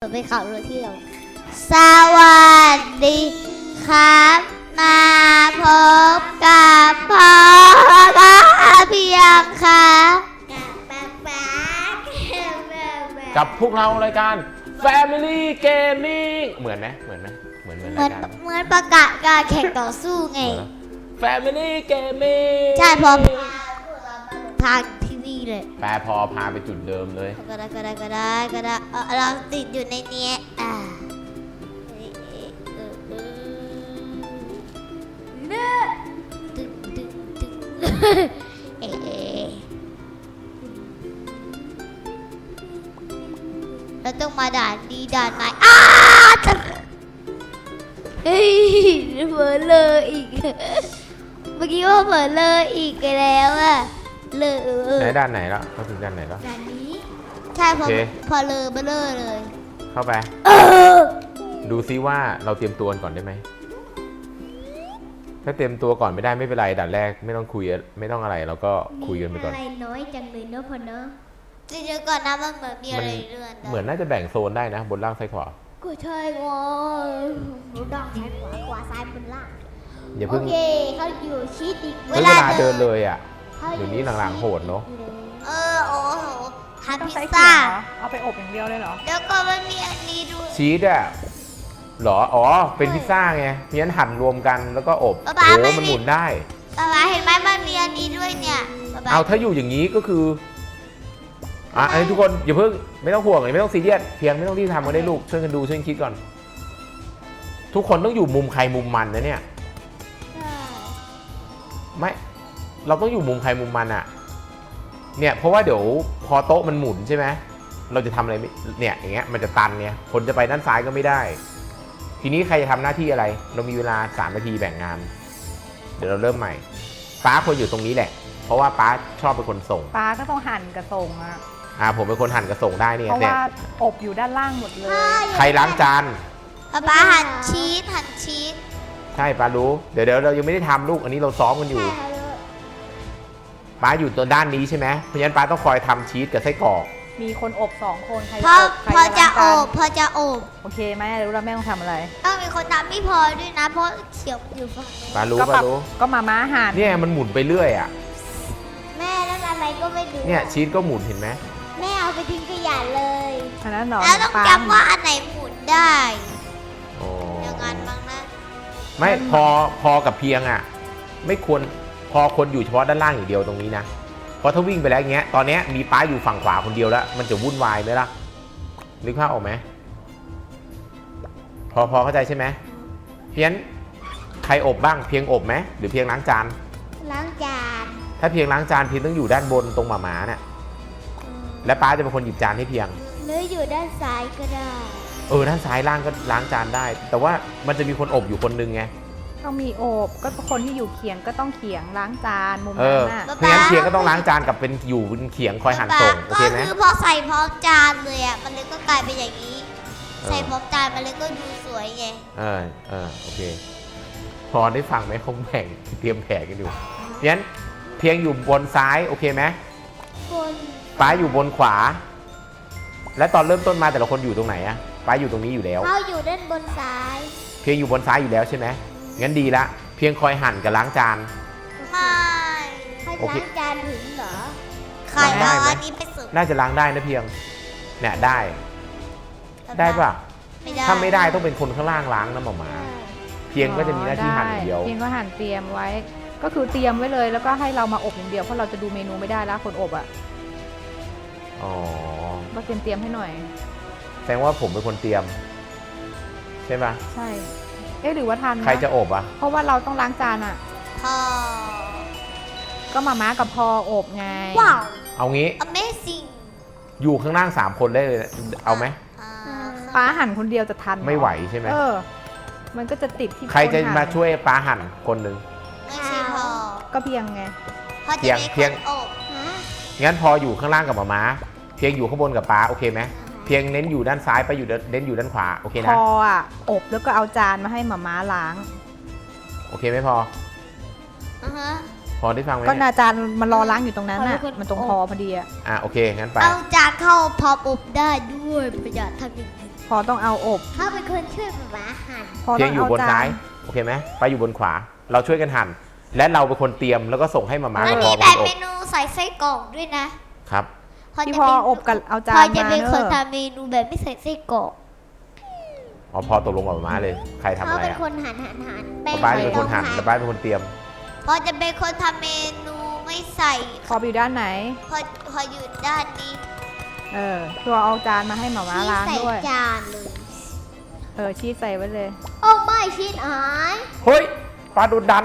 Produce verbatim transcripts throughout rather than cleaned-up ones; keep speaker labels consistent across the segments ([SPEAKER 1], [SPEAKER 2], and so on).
[SPEAKER 1] ไปขับรถเที่ยวสวัสดีครับมาพบกับพ่อเพียงค่ะ
[SPEAKER 2] กับพวกเรารายการ Family Gaming เหมือนไหมเหมือนไหมเหมือนเหมือนรายการ
[SPEAKER 1] เหมือนประกาศการแข่งต่อสู้ไง
[SPEAKER 2] Family Gaming
[SPEAKER 1] ใช่พอทางที่นี่เลย
[SPEAKER 2] แปลพอพาไปจุดเดิมเลย
[SPEAKER 1] ก็ได้ก็ได้ก็ได้ก็ได้เราติดอยู่ในนี้อ่าตึ๊งตึ๊งตึ๊งเอ๊ะเราต้องมาด่านดีด่านไหนอ้าเฮ้ยเผลอเลยอีกเมื่อกี้ว่าเผลอเลยอีกแล้วอะเลย
[SPEAKER 2] ไหนด้านไหนแล้วเขาถึงด้านไหนแล้ว
[SPEAKER 1] ด้านนี้ใช่พอพอเลยเบลอเลย
[SPEAKER 2] เข้าไปดูซิว่าเราเตรียมตัวก่อนได้ไหมถ้าเตรียมตัวก่อนไม่ได้ไม่เป็นไรด่านแรกไม่ต้องคุยไม่ต้องอะไรเราก็คุยกันไปก่อน
[SPEAKER 1] อะไรน้อยจังเลยเนาะพอเนาะจริงๆก่อนนะมันเหมือนมีอะไรเลื่อน
[SPEAKER 2] เหมือนน่าจะแบ่งโซนได้นะบนล่างซ้ายขวา
[SPEAKER 1] ก็ใช่งอบนล่างซ้ายขวาขวาซ้ายบนล่าง
[SPEAKER 2] อย่าเพิ่ง
[SPEAKER 1] โอเคเขาอยู่ชิดอีก
[SPEAKER 2] เวลาเดินเลยอ่ะเดี๋ยวนี้หลังๆโหดเนาะ
[SPEAKER 1] เออโอ้โหทำพิซ
[SPEAKER 3] ซ่า
[SPEAKER 1] เอา
[SPEAKER 3] ไปอบอย่างเดียวเลยเหรอ
[SPEAKER 1] เดี๋ยวก็มันมีอันนี้ด้วย
[SPEAKER 2] ชีสอ่ะหรออ๋อเป็นพิซซ่าไงเพี้ยนหั่นรวมกันแล้วก็อบโอ้มันหมุนได้
[SPEAKER 1] ป๊าป๊าเห็นไหมมันมีอันนี้ด้วยเนี่ย
[SPEAKER 2] เอาถ้าอยู่อย่างนี้ก็คืออ่ะอันนี้ทุกคนอย่าเพิ่งไม่ต้องห่วงไม่ต้องซีเรียสเพียงไม่ต้องรีบทำกันได้ลูกช่วยกันดูช่วยกันคิดก่อนทุกคนต้องอยู่มุมใครมุมมันนะเนี่ยไม่เราต้องอยู่มุมใครมุมมันอะเนี่ยเพราะว่าเดี๋ยวพอโต๊ะมันหมุนใช่ไหมเราจะทำอะไรเนี่ยอย่างเงี้ยมันจะตันเนี่ยคนจะไปด้านซ้ายก็ไม่ได้ทีนี้ใครจะทำหน้าที่อะไรเรามีเวลาสามนาทีแบ่งงานเดี๋ยวเราเริ่มใหม่ป้าควรอยู่ตรงนี้แหละเพราะว่าป้าชอบเป็นคนส่ง
[SPEAKER 3] ป้าก็ต้องหั่นกระส่งอะ
[SPEAKER 2] อ่าผมเป็นคนหั่นกระส่งได้เนี่ย
[SPEAKER 3] เพราะว่าอบอยู่ด้านล่างหมดเลย
[SPEAKER 2] ใครล้างจาน
[SPEAKER 1] ป้าหั่นชีสหั่นชีส
[SPEAKER 2] ใช่ป้ารู้เดี๋ยวเดี๋ยวเรายังไม่ได้ทำลูกอันนี้เราซ้อมกันอยู่ป้าอยู่ตัวด้านนี้ใช่ไหมเพราะฉะนั้นป้าต้องคอยทำชีสกับไส้กรอก
[SPEAKER 3] มีคนอบสองคนใคร
[SPEAKER 1] อบใครพอจะอบพอจะอบ
[SPEAKER 3] โอเคไหมรู้แล้วแม่ต้องทำอะไร
[SPEAKER 1] ต้องมีคนทำไม่พอด้วยนะเพราะเขียวอยู่ฝั่ง
[SPEAKER 2] ป้ารู้ป้ารู้
[SPEAKER 3] ก็มาม้าหั่น
[SPEAKER 2] เนี่ยมันหมุนไปเรื่อยอ่ะ
[SPEAKER 1] แม่แล้วอะไรก็ไม่รู้
[SPEAKER 2] เนี่ยชีสก็หมุนเห็นไหม
[SPEAKER 1] แม่เอาไปทิ้งขยะเลย
[SPEAKER 3] อันนั้นหรอ
[SPEAKER 1] แล้วต้องจำว่าอันไหนหมุนได้อย่างนั้นบ้างนะ
[SPEAKER 2] ไม่พอพอกับเพียงอ่ะไม่ควรพอคนอยู่เฉพาะด้านล่างอย่างเดียวตรงนี้นะเพราะถ้าวิ่งไปแล้วอย่างเงี้ยตอนนี้มีป้าอยู่ฝั่งขวาคนเดียวแล้วมันจะวุ่นวายไหมล่ะนึกภาพออกไหมพอพอเข้าใจใช่ไหมเพียงใครอบบ้างเพียงอบไหมหรือเพียงล้างจาน
[SPEAKER 1] ล้างจาน
[SPEAKER 2] ถ้าเพียงล้างจานเพียงต้องอยู่ด้านบนตรงหมาหมาเนี่ยและป้าจะเป็นคนหยิบจานให้เพียง
[SPEAKER 1] หรืออยู่ด้านซ้ายก็ได้
[SPEAKER 2] เออด้านซ้ายล่างก็ล้างจานได้แต่ว่ามันจะมีคนอบอยู่คนนึงไง
[SPEAKER 3] ต้องมีอบก็คนที่อยู่เขียงก็ต้องเขียงล้างจานมุมนั้นน่ะ
[SPEAKER 2] เพราะงั้นเขียงก็ต้องล้างจานกับเป็นอยู่บนเขียงคอยหั่นส่งโอเคไหม
[SPEAKER 1] ก็คือพอใส่พร้อมจานเลยอ่ะมันเลยก็กลายเป็นอย่างนี้ใส่พร้อมจานมันเลยก็ดูสวยไง
[SPEAKER 2] เออเออโอเคพอได้ฟังไหมคงแบ่งเตรียมแผนกันอยู่เพราะงั้นเพียงอยู่บนซ้ายโอเคไหม
[SPEAKER 1] บน
[SPEAKER 2] ป้าอยู่บนขวาและตอนเริ่มต้นมาแต่ละคนอยู่ตรงไหนอะป้าอยู่ตรงนี้อยู่แล้ว
[SPEAKER 1] เขาอยู่ด้านบนซ้าย
[SPEAKER 2] เพียงอยู่บนซ้ายอยู่แล้วใช่ไหมงั้นดีละเพียงคอยหั่นกับล้างจาน
[SPEAKER 1] ไม่ให้ล้างจานถึงเหรอใครเอาอันนี้ไปสุด
[SPEAKER 2] น่าจะล้างได้นะเพียงเนี่ยได้ได้ป่ะถ้าไม่ได้ต้องเป็นคนข้างล่างล้างนะหมอหมาเพียงก็จะมีหน้าที่หั่นอย่างเดียว
[SPEAKER 3] เพียงก็หั่นเตรียมไว้ก็คือเตรียมไว้เลยแล้วก็ให้เรามาอบอย่างเดียวเพราะเราจะดูเมนูไม่ได้แล้วคนอบอ่ะ
[SPEAKER 2] อ๋อ
[SPEAKER 3] ก็เตรียมเตรียมให้หน่อย
[SPEAKER 2] แสดงว่าผมเป็นคนเตรียมใช่ไหม
[SPEAKER 3] ใช่เอ๊ะหรือว่าทัน
[SPEAKER 2] ใครจะอบอ่ะ
[SPEAKER 3] เพราะว่าเราต้องล้างจานอ่ะ
[SPEAKER 1] พ่อ
[SPEAKER 3] ก็มาม่ากับพออบไง
[SPEAKER 1] ว้าว
[SPEAKER 2] เอางี้
[SPEAKER 1] Amazing
[SPEAKER 2] อยู่ข้างล่างสามคนได้เลยเอาไหม
[SPEAKER 3] ป้าหั่นคนเดียวจะทัน
[SPEAKER 2] ไม่ไหวใช่ไหม
[SPEAKER 3] เออมันก็จะติดที่
[SPEAKER 2] ใครจะมาช่วยป้าหั่นคนหนึ่ง
[SPEAKER 1] ไม่ใช่พอ
[SPEAKER 3] ก็เพียงไง
[SPEAKER 2] เพียงเพียงงั้นพออยู่ข้างล่างกับมาม่าเพียงอยู่ข้างบนกับป้าโอเคไหมเพียงเน้นอยู่ด้านซ้ายไปอยู่เน้นอยู่ด้านขวาโอเคนะ
[SPEAKER 3] พออ่ะอบแล้วก็เอาจานมาให้มาม่าล้าง
[SPEAKER 2] โอเคไหมพอ
[SPEAKER 1] อือฮะ
[SPEAKER 2] พอได้ฟังไหม
[SPEAKER 3] ก็อาจารย์มันรอล้างอยู่ตรงนั้นน่ะมันตรงพอพอดีอ่ะ
[SPEAKER 2] อ่ะโอเคงั้นไป
[SPEAKER 1] เอาจานเข้าพออบได้ด้วยประหยัดทำอย่างนี้
[SPEAKER 3] พอต้องเอาอบ
[SPEAKER 1] เขาเป็นคนช่วยหมาหั่น
[SPEAKER 3] พอ
[SPEAKER 2] เพี
[SPEAKER 3] ต้
[SPEAKER 2] ย
[SPEAKER 3] อง ง
[SPEAKER 2] อยู่
[SPEAKER 3] เอา
[SPEAKER 2] บน
[SPEAKER 3] จา
[SPEAKER 2] ซ้าย
[SPEAKER 3] น
[SPEAKER 2] โอเคไหมไปอยู่บนขวา เราช่วยกันหั่น และเราเป็นคนเตรียมแล้วก็ส่งให้มาม่า
[SPEAKER 1] มัน
[SPEAKER 2] กับพ
[SPEAKER 1] มี
[SPEAKER 2] อ
[SPEAKER 1] แบ
[SPEAKER 2] เป็น
[SPEAKER 1] บ
[SPEAKER 2] อบ
[SPEAKER 1] เมนูใส่ไส้กรอกด้วยนะครับ พอ
[SPEAKER 3] พี่
[SPEAKER 1] จะ
[SPEAKER 3] พอ
[SPEAKER 1] เป็น
[SPEAKER 3] อบกับเอาจา
[SPEAKER 1] พอน จะ
[SPEAKER 3] มา
[SPEAKER 1] เป็น
[SPEAKER 3] เน
[SPEAKER 1] คน
[SPEAKER 3] อะ
[SPEAKER 1] ทำเมนูแบบไม่ใส่ไส้กรอก
[SPEAKER 2] อ๋อพอตกลงกับมาม่าเลย ใครทำ
[SPEAKER 1] เขา
[SPEAKER 2] อะไร
[SPEAKER 1] เป็น
[SPEAKER 2] อ่ะ
[SPEAKER 1] คนหั่นหั่นหั่นแป้ง
[SPEAKER 2] ป้าเป็น
[SPEAKER 1] ไม่
[SPEAKER 2] ค
[SPEAKER 1] ต้อน ง
[SPEAKER 2] หั่น
[SPEAKER 1] หั่น
[SPEAKER 2] แต่ป้าเป็นคนเตรียม
[SPEAKER 1] พอจะเป็นคนทำเมนูไม่ใส่
[SPEAKER 3] พอไปอยู่ด้านไหน
[SPEAKER 1] พอพออยู่ด้านนี้
[SPEAKER 3] เออพี่พอเอาจานมาให้หมาม้า
[SPEAKER 1] ที่
[SPEAKER 3] ล้าง
[SPEAKER 1] ใส่
[SPEAKER 3] ด้วย
[SPEAKER 1] จานเลย
[SPEAKER 3] เออชีสใส่ไว้เลย
[SPEAKER 1] โอ้ไม่ชิ้นหาย
[SPEAKER 2] เฮ้ยป้าโดนดัน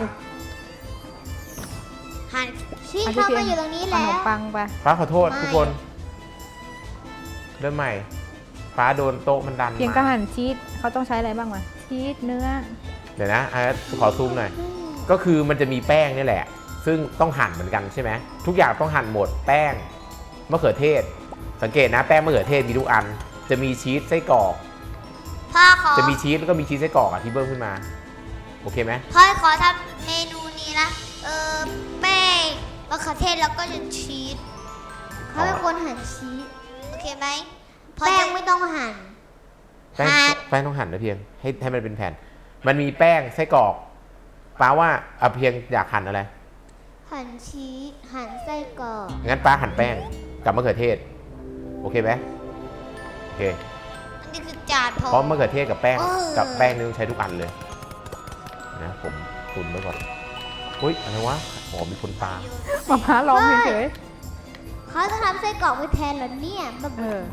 [SPEAKER 1] หั่นชิ้น
[SPEAKER 3] อ่ะ
[SPEAKER 1] เข้า
[SPEAKER 3] พี่
[SPEAKER 1] มา
[SPEAKER 3] เพียง
[SPEAKER 1] อยู่ตรงนี้
[SPEAKER 3] ข
[SPEAKER 1] แล้
[SPEAKER 3] น
[SPEAKER 1] ว
[SPEAKER 3] มปังไป
[SPEAKER 2] ป้าขอโทษ
[SPEAKER 1] ไม่
[SPEAKER 2] ทุกคน เริ่มใหม่ ป้าโดนโต๊ะมันดัน
[SPEAKER 3] เพียงก็
[SPEAKER 2] มา
[SPEAKER 3] หั่นชีสเขาต้องใช้อะไรบ้างวะชีสเนื้อ
[SPEAKER 2] เดี๋ยวนะอ่ะขอซูมหน่อย ก็คือมันจะมีแป้งนี่แหละ ซึ่งต้องหั่นเหมือนกันใช่ไหมทุกอย่างต้องหั่นหมดแป้งมะเขือเทศ สังเกตนะแป้งมะเขือเทศมีทุกอัน จะมีชีสไส้กรอก
[SPEAKER 1] พ่อขอ
[SPEAKER 2] จะมีชีสแล้วก็มีชีสไส้กรอกอ่ะที่เบิ้มขึ้นมา โอเคไหม
[SPEAKER 1] พ่อขอทำเมนูนี้นะ เออแป้งมะเขือเทศแล้วก็จะชีสเขาเป็นคนหั่นชีสโอเคไหมแป้งไม่ต้องหั่น
[SPEAKER 2] แป้ง
[SPEAKER 1] หั่น
[SPEAKER 2] แป้งต้องหั่นนะเพียงให้ให้มันเป็นแผ่น มันมีแป้งไส้กรอกป้าว่าเอาเพียงอยากหั่นอะไร
[SPEAKER 1] หั่นชีสหั่นไส้กรอก
[SPEAKER 2] งั้นป้าหั่นแป้งกับมะเขือเทศ โอเคไหมโอเค
[SPEAKER 1] อันนี้คือจานพอ
[SPEAKER 2] เพราะมะเขือเทศกับแป้ง
[SPEAKER 1] เออ
[SPEAKER 2] กับแป้งนี่ต้องใช้ทุกอันเลยนะผมตุนไว้ก่อนอุ้ยอะไรวะหอมมีคนปลา
[SPEAKER 3] หมาม้าร้องเฉย
[SPEAKER 1] เขาจะทำไส้กรอกไว้แทนเหรอเนี่ยบ้า
[SPEAKER 3] ๆเออ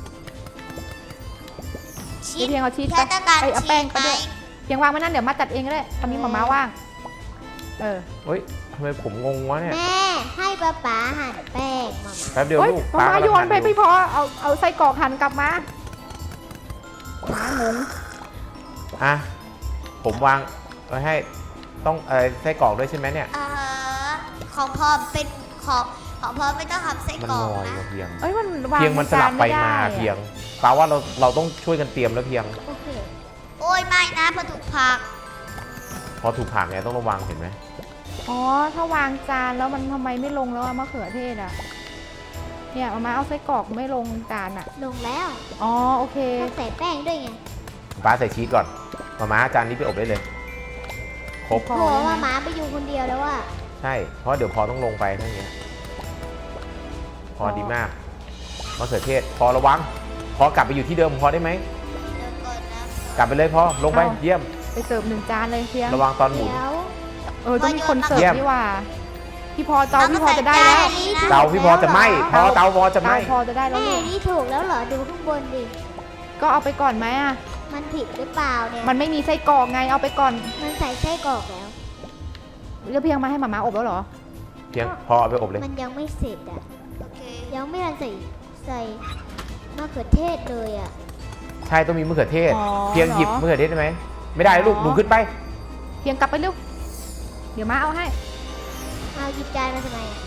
[SPEAKER 1] ชี
[SPEAKER 3] พี่
[SPEAKER 1] ส
[SPEAKER 3] เพียงเอาชีส
[SPEAKER 1] แค่
[SPEAKER 3] ไป
[SPEAKER 1] ต้องการ
[SPEAKER 3] เอ้ยเอา
[SPEAKER 1] ชี
[SPEAKER 3] แป้ง
[SPEAKER 1] ส
[SPEAKER 3] ไป
[SPEAKER 1] ไหม
[SPEAKER 3] ด้วยเพียงวางไว้นั่นเดี๋ยวมาจัดเองก็ได้ตอนนี้หมาม้าว่าง เออ
[SPEAKER 2] เฮ้ยทำไมผมงงวะเนี่ย
[SPEAKER 1] แม่ให้ป๊าป๊าหั่นแป้งมา
[SPEAKER 2] แป๊บเดียว
[SPEAKER 3] เฮ้ย
[SPEAKER 2] ลูก
[SPEAKER 3] หมาม้าโยนไป
[SPEAKER 2] กำลังหั่
[SPEAKER 3] ไม่พอเอาเอาไส้กรอกหั่นกลับมาหมางง
[SPEAKER 2] อ่ะผมวางไว้ให้ต้องเออไส้กรอกด้วยใช่ไหมเนี่ย
[SPEAKER 1] เอ่อของพ่อเป็นของของพ่อไม่ต้องทำไส้
[SPEAKER 2] มัน
[SPEAKER 1] กรอก
[SPEAKER 2] ลอย
[SPEAKER 1] นะ
[SPEAKER 2] ว่ะเพียง
[SPEAKER 3] เอ้ยมันวาง
[SPEAKER 2] เพียงมันสลับไป
[SPEAKER 3] จน
[SPEAKER 2] มา
[SPEAKER 3] ด้อะ
[SPEAKER 2] เพียงแปลว่าเราเราต้องช่วยกันเตรียมแล้วเพียง
[SPEAKER 1] โอเคโอ้ยไม่นะพอถูกผัก
[SPEAKER 2] พอถูกผักเนี่ยต้องระวังเห็นไหม
[SPEAKER 3] อ๋อถ้าวางจานแล้วมันทำไมไม่ลงแล้วอะมะเขือเทศอะเนี่ยหมาม้าเอาไส้กรอกไม่ลงจานอะ
[SPEAKER 1] ลงแล้ว
[SPEAKER 3] อ๋อโอเค
[SPEAKER 1] ต้องใส่แป้งด้วยไง
[SPEAKER 2] ป้าใส่ชีสก่อนมาม่าจานนี้ไปอบได้เลยครบ
[SPEAKER 3] พอ
[SPEAKER 1] โห
[SPEAKER 3] แล้วนะ
[SPEAKER 1] ว่าหมาไปอยู่คนเดียวแล้วว่า
[SPEAKER 2] ใช่เพราะเดี๋ยวพอต้องลงไปทั้งเนี้ยพอดีมากมะเขือเทศพอระวัง พอกลับไปอยู่ที่เดิมพอได้ไหม
[SPEAKER 1] เดี๋ยวก่อนนะ
[SPEAKER 2] กลับไปเลยพอลงไปเยี่ยม
[SPEAKER 3] ไปเสิร์ฟหนึ่งจานเลยเพียง
[SPEAKER 2] ระวังตอนหมุน
[SPEAKER 1] เดี๋ยว
[SPEAKER 3] เออต้องมีคนเสิร์
[SPEAKER 2] เยี่
[SPEAKER 3] ฟ
[SPEAKER 2] ยม
[SPEAKER 3] นี่หว่าพี่พอเตาพี่พอจะได้แล้ว
[SPEAKER 2] เตาพี่พอจะไหมพอเตาพอจะไหม
[SPEAKER 3] เตาพอจะได้แล้ว
[SPEAKER 1] แม่
[SPEAKER 3] ลูก
[SPEAKER 1] นี่ถูกแล้วเหรอดูข้างบนดิ
[SPEAKER 3] ก็เอาไปก่อนไหมอะ
[SPEAKER 1] มันผิดหรือเปล่าเนี่ย
[SPEAKER 3] มันไม่มีไส้กรอกไงเอาไปก่อน
[SPEAKER 1] มันใส่ไส้กรอกแล้ว
[SPEAKER 3] แล้วเพียงมาให้หมาม้าอบแล้วเหรอ
[SPEAKER 2] เพียงพอเอาไปอบเลย
[SPEAKER 1] มันยังไม่เสร็จอ่ะยังไม่ทันใส่ใส่มะเขือเทศเลยอ่ะ
[SPEAKER 2] ใช่ต้องมีมะเขือเทศ
[SPEAKER 3] อ๋อ
[SPEAKER 2] เพียงหยิบ
[SPEAKER 3] เหรอ
[SPEAKER 2] มะเขือเทศได้ไหมไม่ได้ลูก
[SPEAKER 3] อ๋อ
[SPEAKER 2] หนูขึ้นไป
[SPEAKER 3] เพียงกลับไปเร็วเดี๋ยวมาเอาให้
[SPEAKER 1] เอาหยิบจานมาทำไมอ่ะ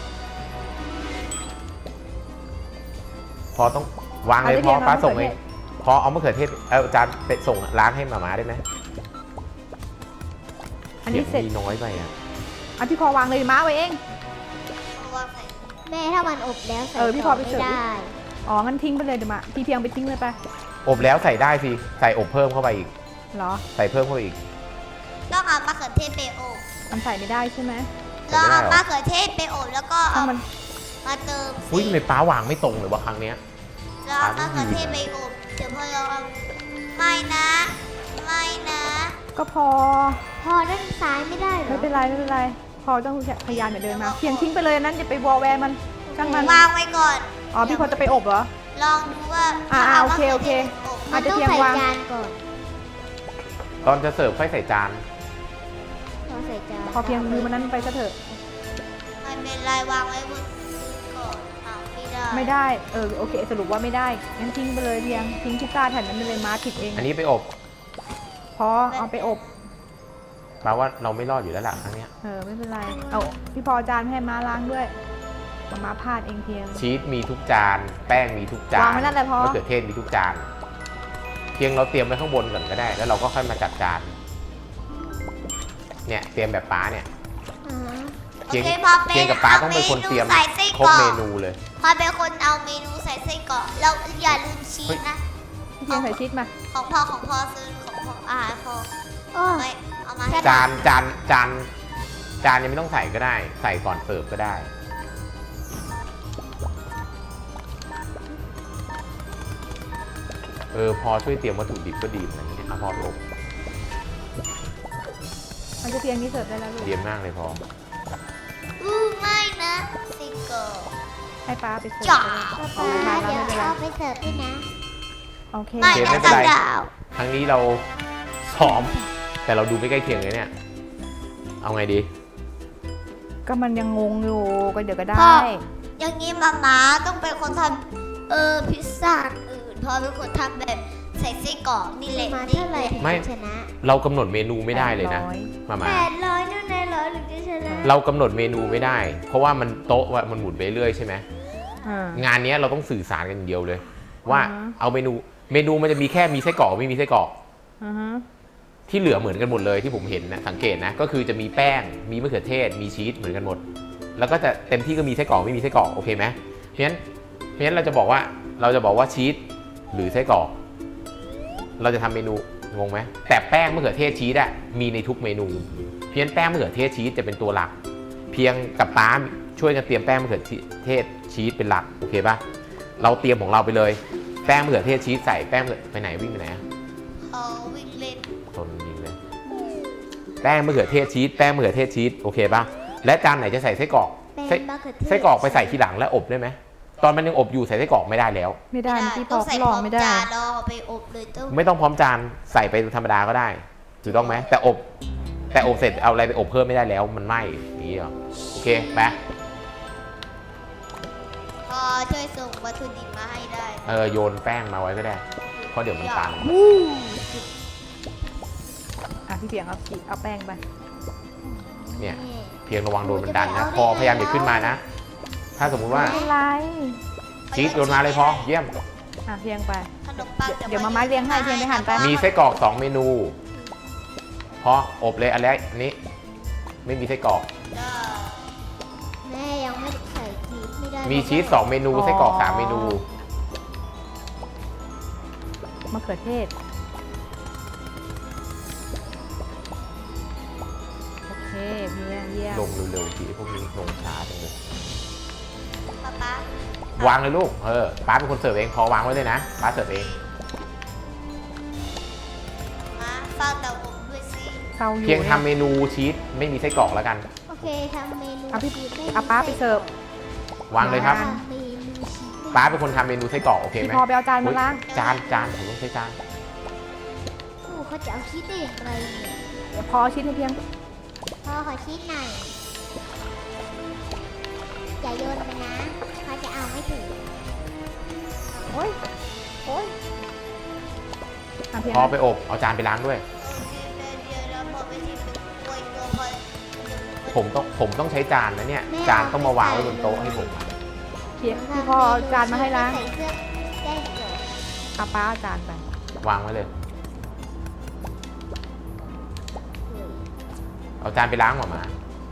[SPEAKER 2] พอต้องวางเลย
[SPEAKER 3] เอาได้
[SPEAKER 2] พอ
[SPEAKER 3] เพียง
[SPEAKER 2] ป้า
[SPEAKER 3] เอา
[SPEAKER 2] ส่ง
[SPEAKER 3] มะเขื
[SPEAKER 2] เอ
[SPEAKER 3] อง เทศ
[SPEAKER 2] พอเอามะเขือเทศเอาจานไปส่งล้างให้หมาม่าได้ไหม
[SPEAKER 3] อันนี้เสร็จ
[SPEAKER 2] มีน้อยไปอ่ะ
[SPEAKER 3] อ่ะพี่พอวางเลยม้าไว้เอง
[SPEAKER 1] แม่ถ้ามันอบแล้วใส่
[SPEAKER 3] เออพี่พอไป
[SPEAKER 1] ไม่
[SPEAKER 3] เสิร์ฟดิ
[SPEAKER 1] ได้
[SPEAKER 3] อ๋องั้นทิ้งไปเลยเดี๋ยวมาพี่เพียงไปทิ้งเลยไป
[SPEAKER 2] อบแล้วใส่ได้สิใส่อบเพิ่มเข้าไปอีก
[SPEAKER 3] เหรอ
[SPEAKER 2] ใส่เพิ่มเข้าไปอีก
[SPEAKER 1] ต้องเอามะเขือเทศไปอบ
[SPEAKER 3] มันใส่ไม่ได้ใช่ไหม
[SPEAKER 1] แล้วเอามะเขือเทศไปอบแล้วก็
[SPEAKER 3] ถ้า
[SPEAKER 1] เอา
[SPEAKER 3] มัน
[SPEAKER 1] มาเติม
[SPEAKER 2] อุ้ยทำไมป้าวางไม่ตรงเลยวะครั้งเนี้ย
[SPEAKER 1] แล้วเอามะเขือเทศไปอบเดี๋ยวพอเราเอาไม่นะไม่นะ
[SPEAKER 3] ก็พอ
[SPEAKER 1] พอด้านซ้ายไม่ได้เหร
[SPEAKER 3] ไม่
[SPEAKER 1] อ
[SPEAKER 3] เป็นไรไม่เป็นไรพอต้องพยายามอย่าเดินมาเพียงทิ้งไปเลยนั้นอย่าไปวอลแวร์มันช่างมัน
[SPEAKER 1] วางไว้ก่อน
[SPEAKER 3] อ๋อพี่พอจะไปอบเหรอ
[SPEAKER 1] ลองดูว่า
[SPEAKER 3] อ่า
[SPEAKER 1] ถ้า
[SPEAKER 3] โอเคโอเค
[SPEAKER 1] มันต้อง
[SPEAKER 3] อาจจะเพียง
[SPEAKER 1] ใส่
[SPEAKER 3] วาง
[SPEAKER 1] จานก่อน
[SPEAKER 2] ตอนจะเสิร์ฟค่อยใส่จาน
[SPEAKER 1] ต้องใส่จาน
[SPEAKER 3] พอเพียงมือมันนั้นไปซะเถอะ
[SPEAKER 1] ไม่เป็นไรวางไว้บนพื้นก่อนเอาไม่ได้
[SPEAKER 3] ไม่ได้เออโอเค สรุปว่าไม่ได้งั้นทิ้งไปเลยเพียงทิ้งพิซซ่าแผ่นนั้นไปเลยมาผิดเอง
[SPEAKER 2] อันนี้ไปอบ
[SPEAKER 3] พอเอาไปอบ
[SPEAKER 2] แปลว่าเราไม่รอดอยู่แล้วล่ะครั้งเนี้ย
[SPEAKER 3] เออไม่เป็นไรเอาพี่พอจานให้มาล้างด้วยมามาพลาดเองเพียง
[SPEAKER 2] ชีสมีทุกจาน แป้งมีทุกจาน
[SPEAKER 3] วางไว้นั่นแหละพอ
[SPEAKER 2] มะเขือเทศมีทุกจาน เพียงเราเตรียมไว้ข้างบนก่อนก็ได้ แล้วเราก็ค่อยมาจัดจาน เนี่ยเตรียมแบบป้าเนี่ย
[SPEAKER 1] อ่าฮะ
[SPEAKER 2] เพียง
[SPEAKER 1] โอคพอป็
[SPEAKER 2] เพียงกับป้าต้องเป็นคนเตรียม
[SPEAKER 1] ใส่ไส้
[SPEAKER 2] ค
[SPEAKER 1] ก
[SPEAKER 2] รบ
[SPEAKER 1] รอก
[SPEAKER 2] เมนูเลย
[SPEAKER 1] พอเป็นคนเอาเมนูใส่ไส้กรอกแล้วอย่าลืมชีสนะ
[SPEAKER 3] นพี่เพียงใส่ชีสมา
[SPEAKER 1] ของพ่อของพ่อซื้อของพ่ออาหารพ่อ
[SPEAKER 4] โอ้
[SPEAKER 1] เอาไปเอามาให้
[SPEAKER 2] จานจานจานจานยังไม่ต้องใส่ก็ได้ ใส่ก่อนเสิร์ฟก็ได้ เออพอช่วยเตรียมวัตถุดิบก็ดีเหมือนกันนี่เอาพอไปอบ
[SPEAKER 3] มันจะเพียงนี้เสิร์ฟได้แล้วลูก
[SPEAKER 2] เตรียมมากเลยพอ
[SPEAKER 1] อู้ไม่นะซิงเกิล
[SPEAKER 3] ให้ป้าไปเสิร์ฟ
[SPEAKER 1] จ๋า
[SPEAKER 3] ไปเลย
[SPEAKER 4] ป๊า
[SPEAKER 3] เอา
[SPEAKER 4] เดี๋
[SPEAKER 3] ไม่
[SPEAKER 4] ยว
[SPEAKER 3] เป็นไร
[SPEAKER 4] เอาไปเสิร์ฟด้วยนะ
[SPEAKER 3] โอเค
[SPEAKER 1] ไม่
[SPEAKER 2] โอเค
[SPEAKER 1] นะ
[SPEAKER 2] ไม่เป็นไร
[SPEAKER 1] ดาว
[SPEAKER 2] ครั้งนี้เราซ้อม แต่เราดูไม่ใกล้เคียงเลยเนี่ย เอาไงดี
[SPEAKER 3] ก็มันยังงงอยู่ก็เดี๋ยวก็ได้
[SPEAKER 1] พ่ออย่างนี้มาม่าต้องเป็นคนทำเออพิซซ่าอื่นพ่อเป็นคนทำแบบใส่ไส้กรอกนี่แหละ
[SPEAKER 4] มา
[SPEAKER 1] นี่
[SPEAKER 4] เท่าไหร่ถึง
[SPEAKER 2] ไม่
[SPEAKER 4] จะชนะ
[SPEAKER 2] เรากำหนดเมนูไม่ได้เลยนะ
[SPEAKER 3] แปดร้อย
[SPEAKER 2] มามา
[SPEAKER 4] แปดร้อยนู่นในร้อยถึงจะชนะ
[SPEAKER 2] เรากำหนดเมนูไม่ได้ เพราะว่ามันโต๊ะว่ามันหมุนไปเรื่อยใช่ไหม
[SPEAKER 3] อ่าง
[SPEAKER 2] านเนี้ยเราต้องสื่อสารกันอย่างเดียวเลย ว่า
[SPEAKER 3] อ่าฮะ
[SPEAKER 2] เอาเมนูเมนูมันจะมีแค่มีไส้กรอกกับไม่มีไส้กรอก
[SPEAKER 3] อ่าฮะ
[SPEAKER 2] ที่เหลือเหมือนกันหมดเลยที่ผมเห็นนะสังเกตนะก็คือจะมีแป้งมีมะเขือเทศมีชีสเหมือนกันหมด แล้วก็จะเต็มที่ก็มีไส้กรอกไม่มีไส้กรอกโอเคไหมเพราะฉะนั้นเพราะฉะนั้นเราจะบอกว่าเราจะบอกว่าชีสหรือไส้กรอกเราจะทำเมนูงงไหมแต่แป้งมะเขือเทศชีสอะมีในทุกเมนูเพราะฉะนั้นแป้งมะเขือเทศชีสจะเป็นตัวหลัก เพียงกับป้าช่วยกันเตรียมแป้งมะเขือเทศชีสเป็นหลักโอเคปะเราเตรียมของเราไปเลยแป้งมะเขือเทศชีสใส่แป้งมะเขือไปไหนวิ่งไปไหนอะ
[SPEAKER 1] เขาวิ่งเล่น
[SPEAKER 2] ทนยิงเลยแป้งมะเขือเทศชีสแป้งมะเขือเทศชีสโอเคป่ะและจานไหนจะใส่ไส้กรอก
[SPEAKER 4] เป็น
[SPEAKER 2] ไส้
[SPEAKER 4] มะเขือเทศ
[SPEAKER 2] ไส้กรอกไปใส่ทีหลังแล้วอบได้ไหมตอนมันยังอบอยู่ใส่ไส้กรอกไม่ได้แล้ว
[SPEAKER 3] ไม่ได้เมื่อกี้พ
[SPEAKER 1] ต้
[SPEAKER 3] อ
[SPEAKER 1] องใส่
[SPEAKER 3] ล
[SPEAKER 1] พ
[SPEAKER 3] อง
[SPEAKER 1] ร้อม
[SPEAKER 3] ไม่ได้
[SPEAKER 1] จานแล้วเอาไปอบเลยต้อง
[SPEAKER 2] ไม่ต้องพร้อมจานใส่ไปธรรมดาก็ได้ถูกต้องไหมแต่อบแต่อบเสร็จเอาอะไรไปอบเพิ่มไม่ได้แล้วมันไหม้อย่างนี้เหรอโอเคไป
[SPEAKER 1] พอช่วยส่งวัตถุดิบมาให้ได้
[SPEAKER 2] เออโยนแป้งมาไว้ก็ได้เพราะเดี๋ยวมันตัน
[SPEAKER 3] อ่ะพี่เพียงเอาขีดเอาแป้งไป
[SPEAKER 2] เนี่ยเพียงระวังโดนมันดันนะพอพยายามอย่าขึ้นมานะ ถ้าสมมุติว่า
[SPEAKER 3] ไม่เป็นไร
[SPEAKER 2] ชีสโยนมาเลยพอเยี่ยม
[SPEAKER 3] อ่ะเพียงไป
[SPEAKER 1] ขนมปังจะ
[SPEAKER 3] เดี๋ยวมาม่าเลี้ยงให้เพียงไปหั่นไป
[SPEAKER 2] มีไส้กรอกสองเมนูพออบเลยอันแรกอันนี้ไม่มีไส้กรอก
[SPEAKER 4] แม่ยังไม่ใส่ชีสไม่ได้
[SPEAKER 2] มีชีสสองเมนูไส้กรอกสามเมนู
[SPEAKER 3] มะเขือเทศโอเคเพียงเยี่ยม
[SPEAKER 2] ลงเร็วๆทีพวกนี้ลงช้าจังเลย
[SPEAKER 1] ป๊าป๊าว
[SPEAKER 2] างเลยลูกเออป้าเป็นคนเสิร์ฟเองพอวางไว้เลยนะป้าเสิร์ฟเอง
[SPEAKER 1] มาเฝ้าเตาอบด้วยสิ
[SPEAKER 3] เตาอยู่
[SPEAKER 2] เพียง
[SPEAKER 3] นี่
[SPEAKER 2] ทำเมนูชีสไม่มีไส้กรอกแล้วกัน
[SPEAKER 4] โอเคทำเมนู
[SPEAKER 3] เอาพี่
[SPEAKER 4] ชีสไม่มี
[SPEAKER 3] เอาป้าไปเสิร์ฟ
[SPEAKER 2] วางเลยครับ
[SPEAKER 4] ทำเมนูชีสไม่มี
[SPEAKER 2] ป้าเป็นคนทำเมนูไส้กรอกโอเค
[SPEAKER 3] พี่
[SPEAKER 2] ไหม
[SPEAKER 3] พอไปเอาจานมาล้าง
[SPEAKER 2] จานจานผมต้องใช้จาน
[SPEAKER 4] โอ้เขาจะเอาชีสได้อย่างไรเนี่ย
[SPEAKER 3] เดี๋ยวพอเอาชิ้นให้เพียง
[SPEAKER 4] พ่อขอชีสหน่อยอย่าโยนไปนะเขาจะเอาไม่ถึง
[SPEAKER 3] โอ้ยโอ้ยอ่ะเพียง
[SPEAKER 2] พอไปอบเอาจานไปล้างด้วย
[SPEAKER 1] เดี๋ยวเราบอกไปที่เป็นกล้วยตัวพอ
[SPEAKER 2] ผมต้องผมต้องใช้จานนะเนี่ยจานต้องมาวางไว้บนโต๊ะให้ผม
[SPEAKER 3] เพียงพี่พอเอาจานมาให้ล้าง
[SPEAKER 4] ใส่เสื้อได้เกิด
[SPEAKER 3] เอาป้าเอาจานไป
[SPEAKER 2] วางไว้เลย เอาจานไปล้างหมดมา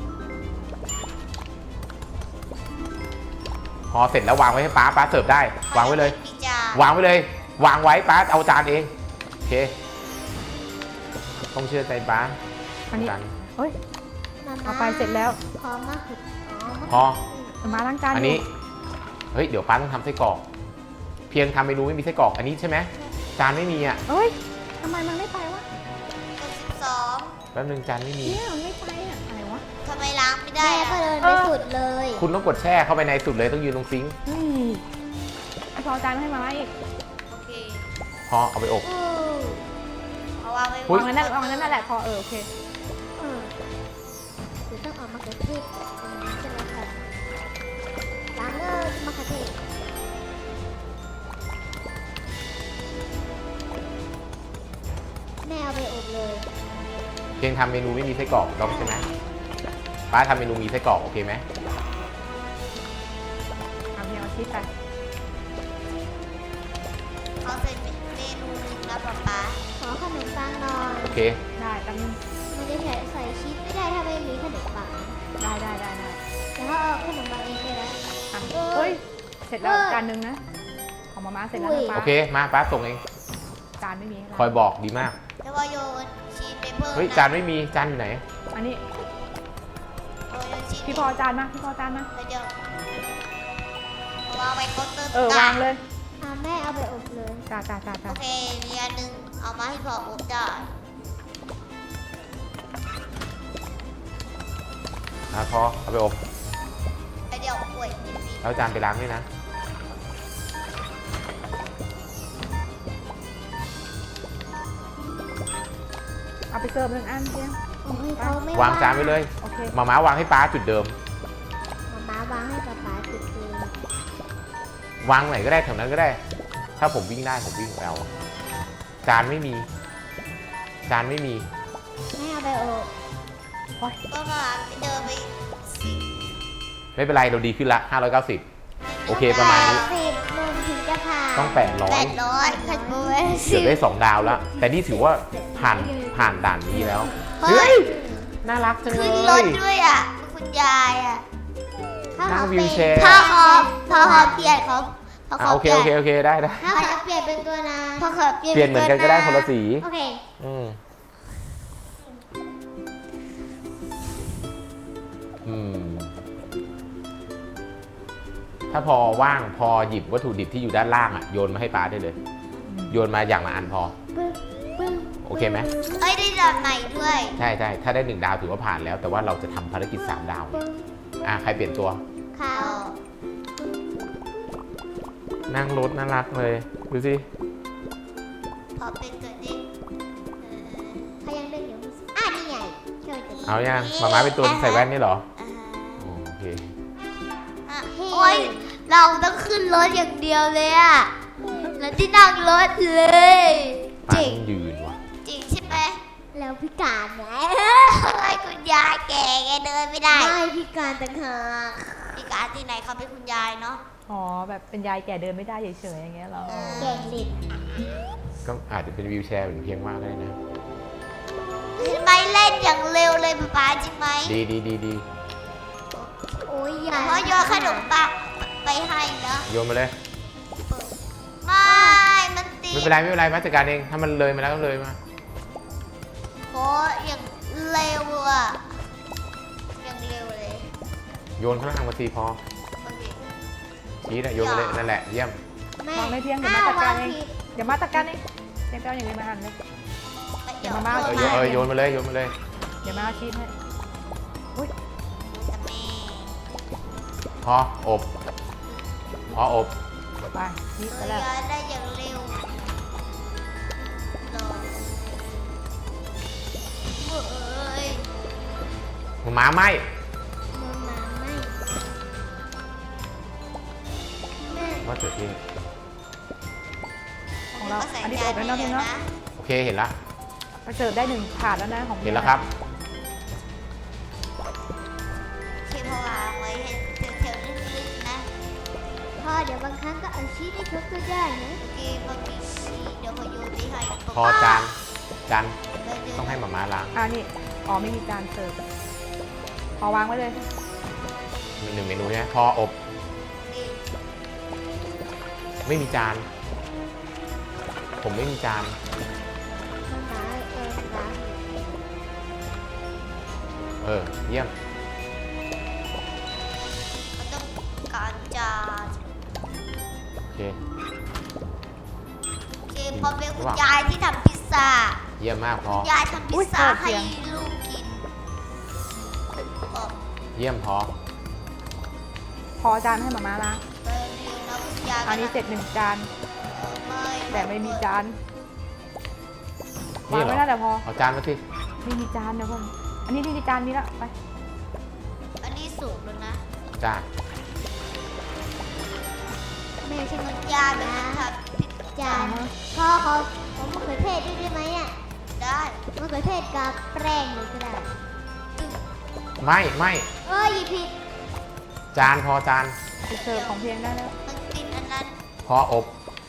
[SPEAKER 2] พอเสร็จแล้ววางไว้ให้ป้าป้าเสิร์ฟได้ วางไว้เลย
[SPEAKER 1] มีจาน
[SPEAKER 2] วางไว้เลย วางไว้ป้าเอาจานเองโอเคต้องเชื่อใจป้า
[SPEAKER 3] อันนี้
[SPEAKER 2] จาน
[SPEAKER 3] เฮ้ย
[SPEAKER 4] มา
[SPEAKER 3] เอาไปเสร็จแล้ว
[SPEAKER 4] พร้อมมากคืออ๋อมะ
[SPEAKER 2] พอ
[SPEAKER 3] เอามาล้างจาน
[SPEAKER 2] อัน
[SPEAKER 3] ยู่
[SPEAKER 2] นี้เฮ้ยเดี๋ยวป้าต้องทำไส้กรอก เพียงทำเมนูไม่มีไส้กรอกอันนี้ใช่ไหมจานไม่มีอ่ะ
[SPEAKER 3] เอ้ยทำไมมันไม่ไปวะ
[SPEAKER 1] สิบสอง
[SPEAKER 2] แป๊บนึงจานไม่มี
[SPEAKER 3] เนี่ยมันไม่ไปอ่ะอะไรวะ
[SPEAKER 1] ทำไมล้างไม่ได้
[SPEAKER 4] แม่
[SPEAKER 1] อะ
[SPEAKER 4] ก็เดินไปสุดเลย
[SPEAKER 2] คุณต้องกดแช่เข้าไปในสุดเลยต้องยืนตรงซิงค์
[SPEAKER 3] เฮ้ยพี่พอเอาจานมาให้มาม่าอีก
[SPEAKER 1] โอเค
[SPEAKER 2] พอเอาไปอบ
[SPEAKER 4] อู้
[SPEAKER 1] เอาวางไว้
[SPEAKER 2] อุ๊ย
[SPEAKER 3] วางนั้นวางนั้นนั่นแหละพอเออโอเค
[SPEAKER 4] เออเดี๋ยวต้องเอามะเขือเทศตรงนี้ใช่ไหมคะล้างเลยมะเขือเทศแม่เอาไปอบเลย
[SPEAKER 2] เพียงทำเมนูไม่มีไส้กรอกต้องใช่ไหมป้าทำเมนูมีไส้กรอกโอเคไหม
[SPEAKER 3] เอาเพียงเอาชีสไป
[SPEAKER 1] เอาเสร็จเมนูหนึ่งแล้วป๊าป๊า
[SPEAKER 4] ขอขนมปังหน่อย
[SPEAKER 2] โอเค
[SPEAKER 3] ได้แป๊บนึง
[SPEAKER 4] มันจะใส่ใส่ชีสไม่ได้ถ้าไม่มีขนมปัง
[SPEAKER 3] ได้ได้ได้ได้
[SPEAKER 4] แต่ถ้าเอาขนมปังเองได้แล้ว
[SPEAKER 3] อ่ะ
[SPEAKER 4] เออ
[SPEAKER 3] เฮ้ยเสร็จแล้ว
[SPEAKER 4] เออ
[SPEAKER 3] จานหนึงนะของมาม่าเสร็จแล้ว
[SPEAKER 4] อุ้
[SPEAKER 3] นะ
[SPEAKER 4] ย
[SPEAKER 3] ป้า
[SPEAKER 2] โอเคมาป้าส่งเอง
[SPEAKER 4] ข
[SPEAKER 3] จานไม่มี
[SPEAKER 2] คอยบอกดีมาก
[SPEAKER 1] แล้วก็โยนชีสไปเพิ่ม
[SPEAKER 2] เฮ้ย
[SPEAKER 1] นะ
[SPEAKER 2] จานไม่มีจานอยู่ไหน
[SPEAKER 3] อันนี้
[SPEAKER 1] โยนชีส
[SPEAKER 3] พี่พอจานมาพี่พอจานมา
[SPEAKER 1] แล้วเดี๋ยววางไว้เคาน์เตอร์
[SPEAKER 3] เออวางเลย
[SPEAKER 4] อ่ะแม่เอาไปอบเลย
[SPEAKER 3] จ้าจ้าจ้า
[SPEAKER 1] โอ
[SPEAKER 3] จ้า
[SPEAKER 1] เคมีอันหนึงเอามาให้พออบได้
[SPEAKER 2] อ่ะพอเอาไปอบ
[SPEAKER 1] แล้วเดี๋ยวป่วยนิดนึง
[SPEAKER 2] แล้วจานไปล้างด้วยนะ
[SPEAKER 3] เอาไปเสิร์ฟหนึ่งอันเพียง
[SPEAKER 4] โอ้ยเขาไม่
[SPEAKER 2] วางจานไว้เลย
[SPEAKER 3] โอเค
[SPEAKER 2] มาม้าวางให้ป้าจุดเดิม
[SPEAKER 4] มาม้าวางให้ป๊าป๊าจุดเลย
[SPEAKER 2] วางไหนก็ได้แถวนั้นก็ได้ ถ้าผมวิ่งได้ผมวิ่งไปเอาจานไม่มี จานไม่มี
[SPEAKER 4] แม่เอาไปอบ
[SPEAKER 1] ก็มาเดินไปสิ
[SPEAKER 2] ไม่เป็นไรเราดีขึ้นละห้าร้อยเก้าสิบ โอเคประมาณนี้
[SPEAKER 4] สิบมุมถึงจะผ่าน
[SPEAKER 2] ต้องแปดร้อ
[SPEAKER 1] แป
[SPEAKER 2] ย
[SPEAKER 1] ดร้อยขัดโบย
[SPEAKER 2] เกือบได้สองดาวแล้ว แต่นี่ถือว่าผ่านผ่านด่านนี้แล้ว
[SPEAKER 1] เฮ้ย
[SPEAKER 2] น่ารักจังเล
[SPEAKER 1] ขึ้นรถ
[SPEAKER 2] ย
[SPEAKER 1] ด้วยอ่ะคุณยายอ่ะ
[SPEAKER 4] ถ้า
[SPEAKER 2] นั่
[SPEAKER 4] เขา
[SPEAKER 2] ง
[SPEAKER 4] เป็
[SPEAKER 2] วิ
[SPEAKER 4] น
[SPEAKER 2] วแชร์
[SPEAKER 1] ถ้าเขาพอเขาเปลี่ยนเขาพอ
[SPEAKER 2] อ่ะ
[SPEAKER 1] เขา
[SPEAKER 2] โอ
[SPEAKER 1] เป
[SPEAKER 2] เค
[SPEAKER 1] ลี่ย
[SPEAKER 2] โอน เคโอเคได้ได้
[SPEAKER 4] ถ้าเขาเปลี่ยนเป็นตัวนั้น
[SPEAKER 1] พอเขาเปลี่ยน
[SPEAKER 2] เปลี่ยนเหมือนกันก็ได้คนละสี
[SPEAKER 4] โอเค
[SPEAKER 2] อืมอืม ถ้าพอว่างพอหยิบวัตถุดิบที่อยู่ด้านล่างอ่ะโยนมาให้ป้าได้เลย โยนมาอย่างละอันพอ
[SPEAKER 4] ปึ้งปึ้ง
[SPEAKER 2] โอเคไหม
[SPEAKER 1] เอ้ยได้ดอกใหม่ด้วย
[SPEAKER 2] ใช่ใช่ถ้าได้หนึ่งดาวถือว่าผ่านแล้ว แต่ว่าเราจะทำภารกิจสามดาว
[SPEAKER 4] ปึ้ง
[SPEAKER 2] อ่ะใครเปลี่ยนตัว
[SPEAKER 4] เขา
[SPEAKER 2] นั่งรถน่ารักเลย ดูสิ
[SPEAKER 1] พอเป็นตัวนี้เออ
[SPEAKER 4] เขายังเลือกอยู่อ่ะนี่ไงช่วยกัน
[SPEAKER 2] เอายังมาม้าเป็นตัวใส่แว่นนี่เหรอ
[SPEAKER 1] อ่า
[SPEAKER 2] โอเค
[SPEAKER 1] อ่ะโอ้ยเราต้องขึ้นรถอย่างเดียวเลยอ่ะแล้วที่นั่งรถเลย
[SPEAKER 2] ป้า
[SPEAKER 1] จริง
[SPEAKER 2] ต้องยืนว่ะ
[SPEAKER 1] จริงใช่ไหม
[SPEAKER 4] แล้วพิการไง
[SPEAKER 1] ไอ้คุณยายแก่แกเดินไม่ได้
[SPEAKER 4] ไม่พิการต่างหาก
[SPEAKER 1] มีการที่ไหนเขาเป็นคุณยายเนาะ
[SPEAKER 3] อ๋อแบบเป็นยายแก่เดินไม่ได้เฉยๆอย่างเงี้ยเหรอ
[SPEAKER 4] เก่งลิด
[SPEAKER 2] ก็อาจจะเป็นวิวแชร์เหมือนเพียงว่าก็ได้นะ
[SPEAKER 1] ไม่เล่นอย่างเร็วเลยป๊าป๊าจริงไหม
[SPEAKER 2] ดีดีดีดี
[SPEAKER 4] โอ้ยอ
[SPEAKER 1] เดี๋
[SPEAKER 4] ย่า
[SPEAKER 1] ยวพ่อโยนขนมปังไปให้นะ
[SPEAKER 2] โยนมาเลย
[SPEAKER 1] ไม่มันตี
[SPEAKER 2] ไม่เป็นไรไม่เป็นไรมาจัดการเอง ถ้ามันเลยมาแล้วก็เลยมา
[SPEAKER 1] โอ้อย่างเร็วอ่ะอย่างเร็วเลย
[SPEAKER 2] โยนข้างล่างมาทีพอ
[SPEAKER 1] โอเค
[SPEAKER 2] ชี้นะโยนมาเลยนั่นแหละเยี่ยม
[SPEAKER 4] แม่
[SPEAKER 3] วางไม่เพียงเดี๋ยว
[SPEAKER 4] อ้า
[SPEAKER 3] มา
[SPEAKER 4] ว
[SPEAKER 3] จัดกาว
[SPEAKER 4] าร ง
[SPEAKER 3] เอง
[SPEAKER 4] ผิด
[SPEAKER 3] เดี๋ยวมาจัดการเองเดี๋ยวไปเอาอย่างอื่นมาหั่นเลย
[SPEAKER 1] เดี๋ยว
[SPEAKER 3] มาม่า
[SPEAKER 2] เออโยน
[SPEAKER 1] โย
[SPEAKER 2] เออโยนมาเลยโยนมาเลย
[SPEAKER 3] เดี๋ยวมาเอาชีสให้
[SPEAKER 1] จะมี
[SPEAKER 2] พออบพออบ
[SPEAKER 3] ไปชีสไป
[SPEAKER 1] เรี
[SPEAKER 3] แล้ว
[SPEAKER 1] ยนได้อย่างเร็วรอเอ้ย
[SPEAKER 2] หมาไหม
[SPEAKER 4] มามาไม่แม่
[SPEAKER 2] ว่าเกิดที่
[SPEAKER 3] ของเรา
[SPEAKER 1] ก็ใส่
[SPEAKER 3] อันนี้
[SPEAKER 1] จา
[SPEAKER 3] อบแล้วเนาะ
[SPEAKER 1] ไป
[SPEAKER 3] พี่
[SPEAKER 1] แล้ว
[SPEAKER 3] เนาะ
[SPEAKER 1] นะ
[SPEAKER 2] โอเคเห็นละ
[SPEAKER 3] ไปเสิร์ฟได้หนึ่งถาดแล้วนะของ
[SPEAKER 2] เห็นแล้วครับ
[SPEAKER 1] เทพวางไว้ให้แถวๆลึกๆนะ
[SPEAKER 4] พ่อเดี๋ยวบางครั้งก็เอาชีสให้ทุกตัวได้นะ
[SPEAKER 1] โอเคบางทีชีเดี๋ยวพอโยนไปให้
[SPEAKER 2] พอจานจาน
[SPEAKER 1] ไปเดิน
[SPEAKER 2] ต้องให้หมาม้าล้าง
[SPEAKER 3] อ่านี่อ๋อไม่มีจานเสิร์ฟพอวางไว้เลย
[SPEAKER 2] มีหนึ่งเมนูใช่ไหมพออบ
[SPEAKER 1] นี่
[SPEAKER 2] ไม่มีจาน ผมไม่มีจาน
[SPEAKER 4] มามาเออมา
[SPEAKER 2] เออเยี่ยม
[SPEAKER 1] มันต้องการจาน
[SPEAKER 2] โอเค
[SPEAKER 1] โอเคพอเป็นคุณยายที่ทำพิซซ่า
[SPEAKER 2] เยี่ยมมากพอ
[SPEAKER 1] ยายทำพิซซ่าให้ลูกกินออก
[SPEAKER 2] เยี่ยมพอ
[SPEAKER 3] พอจานให้หมาม่าล้าง
[SPEAKER 1] ไปเร็วนะคุณยาย
[SPEAKER 3] อันนี้เสร็จหนึ่งจาน
[SPEAKER 1] ไม่
[SPEAKER 3] แต่ไม่มีจาน
[SPEAKER 2] นี่
[SPEAKER 3] วาง
[SPEAKER 2] เหรอ
[SPEAKER 3] ไว้นั่นแหละพอ
[SPEAKER 2] เอาจานมาสิ
[SPEAKER 3] ไม่มีจานเดี๋ยวก่อนอันนี้นี่จานนี้ละไป
[SPEAKER 1] อันนี้สูงแล้วนะ
[SPEAKER 2] จาน
[SPEAKER 4] แม่ใช่ไหม
[SPEAKER 1] คุณยายเป็นคนทำพิซ
[SPEAKER 4] จานพ่อเขาผมมะเขือเทศด้วยได้ไหมอ่ะ
[SPEAKER 1] ได้
[SPEAKER 4] มะเขือเทศกับแป้งเลยก็ได้
[SPEAKER 2] ไม่ไม่
[SPEAKER 4] เอ้ยหยิบผิด
[SPEAKER 2] จานพอจาน
[SPEAKER 3] ไปเสิร์ฟของเพียงได้แล้ว
[SPEAKER 1] มันกินอันนั้น
[SPEAKER 2] พออบ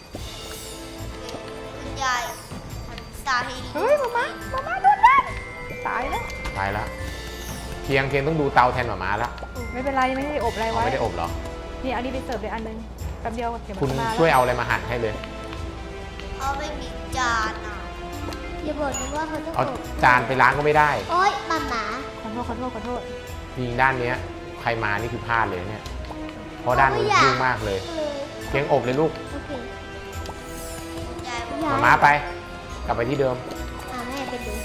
[SPEAKER 1] คุณยายทำพิซซ่าให้
[SPEAKER 3] เฮ้ยหมาม่าหมาม่าโดนเล่นตายแล้ว
[SPEAKER 2] ไปแล้วเพียงเพียงต้องดูเตาแทนหมาม้าแล้ว
[SPEAKER 3] ไม่เป็นไรยังไม่ได้อบอะไร
[SPEAKER 2] เอา
[SPEAKER 3] ไว้
[SPEAKER 2] ไม่ได้อบเหรอ
[SPEAKER 3] นี่อันนี้ไปเสิร์ฟเลยอันนึงแป๊บเดียวเดี๋ยวมัน
[SPEAKER 2] คุณ
[SPEAKER 3] ก็มา
[SPEAKER 2] ช่วย
[SPEAKER 3] แล้ว
[SPEAKER 2] เอาอะไรมาหั่นให้เลย
[SPEAKER 1] เอาไม่มีจานอ่ะ
[SPEAKER 4] อย่าบอกนะว่าเขาต้อง
[SPEAKER 2] เอา
[SPEAKER 4] อบ
[SPEAKER 2] จานไปล้างก็ไม่ได้
[SPEAKER 4] โอ๊ยหมาหมา
[SPEAKER 3] ขอโทษขอโทษขอโทษ
[SPEAKER 2] ยิงด้านเนี้ย ใครมานี่คือพลาดเลยเนี่ย เพราะด้านนู้นยุ่งมากเลย
[SPEAKER 4] เลย
[SPEAKER 2] เพียงอบเลยลูก
[SPEAKER 4] โอเค
[SPEAKER 1] คุณยายบอก
[SPEAKER 4] ยาย
[SPEAKER 2] มาม้าไป กลับไปที่เดิม
[SPEAKER 4] อ่าแม่ไปดู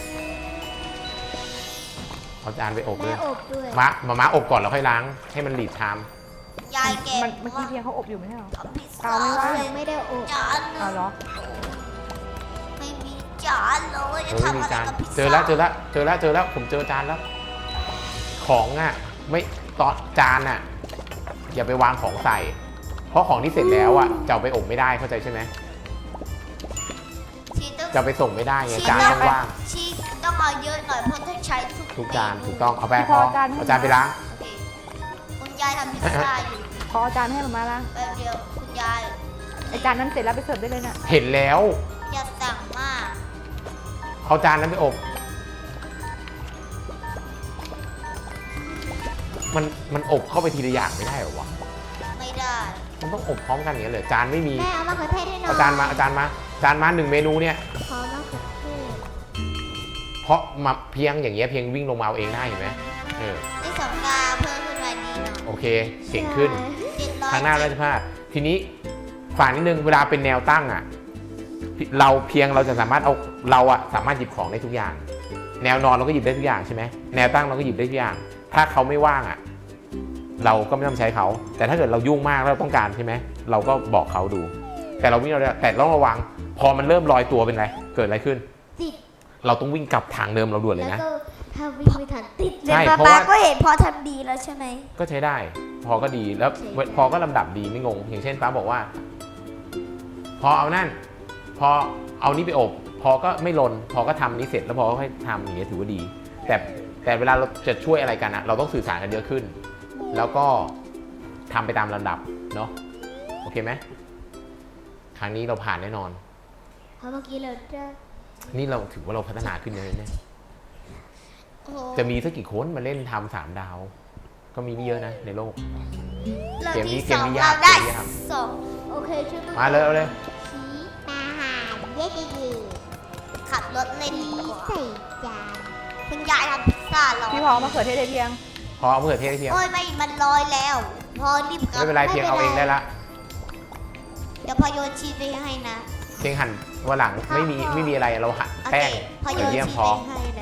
[SPEAKER 2] เอาจานไปอบเล
[SPEAKER 4] แม่
[SPEAKER 2] ย
[SPEAKER 4] อบด้วย
[SPEAKER 2] มามาม้าอบก่อนแล้วค่อยล้าง ให้มันหลีดชาม
[SPEAKER 1] ยายแก
[SPEAKER 3] มันเมื่อกี้เพียงเขาอบอยู่ไม่ใช่เหรอ
[SPEAKER 1] ทำพิซ
[SPEAKER 3] เปล่า
[SPEAKER 1] ซ่า
[SPEAKER 3] ไม่ว่า
[SPEAKER 1] เลย
[SPEAKER 4] ยังไม่ได้อบ
[SPEAKER 1] จานหนึ่
[SPEAKER 3] เอา
[SPEAKER 1] ง
[SPEAKER 3] เหรอ
[SPEAKER 1] ไม่มีจานเลย
[SPEAKER 2] เอ
[SPEAKER 1] จะ
[SPEAKER 2] อไม่
[SPEAKER 1] ทำ
[SPEAKER 2] มี
[SPEAKER 1] อะไร
[SPEAKER 2] จาน
[SPEAKER 1] กับพิซซ่า
[SPEAKER 2] เจอแล้วเจอแล้วเจอแล้วเจอแล้วผมเจอจานแล้ว ของอ่ะ ไม่ตอนจานอ่ะ อย่าไปวางของใส่ เพราะของที่เสร็จแล้วอ่ะจะเอาไปอบไม่ได้เข้าใจใช่ไหม
[SPEAKER 1] ชีต้อง
[SPEAKER 2] จะเอาไปส่งไม่ได้ไง
[SPEAKER 1] ชี
[SPEAKER 2] จาน
[SPEAKER 1] ต้
[SPEAKER 2] ต้
[SPEAKER 1] อ
[SPEAKER 2] อง งว่าง
[SPEAKER 1] ชีต้องเอาเยอะหน่อยเพราะต้องใช้ทุก
[SPEAKER 2] ทุกจาน
[SPEAKER 1] เม
[SPEAKER 2] ถูกต้องเอาไป
[SPEAKER 3] พี่
[SPEAKER 2] พ
[SPEAKER 3] พ
[SPEAKER 2] อ
[SPEAKER 3] อจานให้
[SPEAKER 2] เอาจานไปล้าง
[SPEAKER 1] โอเคคุณยายทำพิซซ่าอยู่
[SPEAKER 3] ขอเอาจานให้มาละ
[SPEAKER 1] แป๊บเดียวคุณยาย
[SPEAKER 3] ไอจานนั้นเสร็จแล้วไปเสิร์ฟได้เลยน่ะ
[SPEAKER 2] เห็นแล้ว
[SPEAKER 1] อย่าสั่งมาก
[SPEAKER 2] เอาจานนั้นไปอบ มันมันอบเข้าไปทีละอย่างไม่ได้เหรอวะ
[SPEAKER 1] ไม่ได้
[SPEAKER 2] มันต้องอบพร้อมกันอย่างนี้ยเลยจานไม่มี
[SPEAKER 4] แม่เอามะเขือเทศให้หน่อย
[SPEAKER 2] เอาจานมาเอาจานมาจานมาหนึ่งเมนูเนี่ย
[SPEAKER 4] ขอมะเขือเทศ
[SPEAKER 2] เพราะมาเพียงอย่างเงี้ยเพียงวิ่งลงมาเอาเองได้เห็นไหมเออ
[SPEAKER 1] ในสองดาวเพิ่มขึ้นมาดีหน่อย
[SPEAKER 2] โอเคเก่งขึ้น
[SPEAKER 1] เจ็ดร้อย
[SPEAKER 2] ทางหน้าราชพาดทีนี้ฝากนิดนึงเวลาเป็นแนวตั้งอ่ะ เราเพียงเราจะสามารถเอาเราอะสามารถหยิบของได้ทุกอย่าง แนวนอนเราก็หยิบได้ทุกอย่างใช่ไหมแนวตั้งเราก็หยิบได้ทุกอย่าง ถ้าเขาไม่ว่างอ่ะ เราก็ไม่ต้องใช้เขา แต่ถ้าเกิดเรายุ่งมากแล้วเราต้องการใช่ไหมเราก็บอกเขาดู แต่เราวิ่งเราได้แต่ต้องระวัง พอมันเริ่มลอยตัวเป็นไรเกิดอะไรขึ้น
[SPEAKER 4] ติด
[SPEAKER 2] เราต้องวิ่งกลับทางเดิมเราด่วนเลย
[SPEAKER 4] แล้ว
[SPEAKER 2] นะ
[SPEAKER 4] ก็ถ้าวิ่งไม่ทันติด
[SPEAKER 2] ใช่
[SPEAKER 1] แต่
[SPEAKER 2] เพราะ
[SPEAKER 1] ป๊า
[SPEAKER 2] ว่า
[SPEAKER 1] ก็เห็นพอทำดีแล้วใช่ไหม
[SPEAKER 2] ก็ใช้ได้ พอก็ดีแล้ว
[SPEAKER 4] ใช่ได้
[SPEAKER 2] พอก็ลำดับดีไม่งง อย่างเช่นป้าบอกว่า พอเอานั่น พอเอานี้ไปอบ พอก็ไม่ลน พอก็ทำนี้เสร็จแล้วพอก็ค่อยทำอย่างเงี้ยถือว่าดี แต่แต่เวลาเราจะช่วยอะไรกันอะเราต้องสื่อสารกันเยอะขึ้น แล้วก็ทำไปตามลำดับเนาะโอเคไหมครั้งนี้เราผ่านแน่นอน
[SPEAKER 4] เพราะเมื่อกี้เราจะ
[SPEAKER 2] นี่เราถือว่าเราพัฒนาขึ้นเยอะเนี่ย
[SPEAKER 1] โอ้โห
[SPEAKER 2] จะมีสักกี่คนมาเล่นทำสามดาว ก็มีไม่เยอะนะในโลก
[SPEAKER 1] เรา
[SPEAKER 2] เกมนี้
[SPEAKER 1] ที่สอง
[SPEAKER 2] เกมนี้ยาก
[SPEAKER 1] เราได้
[SPEAKER 2] เกมนี้ยาก
[SPEAKER 1] สอง
[SPEAKER 4] โอเคช่วย
[SPEAKER 2] มาเลยเอาเลย
[SPEAKER 4] ชี้อาหารเย้เย้
[SPEAKER 1] ขับรถเล่นดีกว่า
[SPEAKER 4] ใส่จาน
[SPEAKER 1] คุณยายทำพิซซ่าเรา
[SPEAKER 3] พี่พอเอามาเขือเทศได้เพียง
[SPEAKER 2] พอเอามะเขือเทศให้เพียง
[SPEAKER 1] โอ้ยไม่มันลอยแล้ว พอรีบกลับ
[SPEAKER 2] ไม่เป็นไรเพียงเอาเองได้ละ
[SPEAKER 1] เดี๋ยวพอโยนชีสไปให้นะ
[SPEAKER 2] เพียงหั่นวันหลังไม่มีไม่มีอะไรเราหั่น
[SPEAKER 1] โอ
[SPEAKER 2] แป้
[SPEAKER 1] เค
[SPEAKER 2] ง
[SPEAKER 1] พอโย
[SPEAKER 2] กระ
[SPEAKER 1] น
[SPEAKER 2] เยี่ยม
[SPEAKER 1] ชีส
[SPEAKER 2] พอ
[SPEAKER 1] ไปให้นะ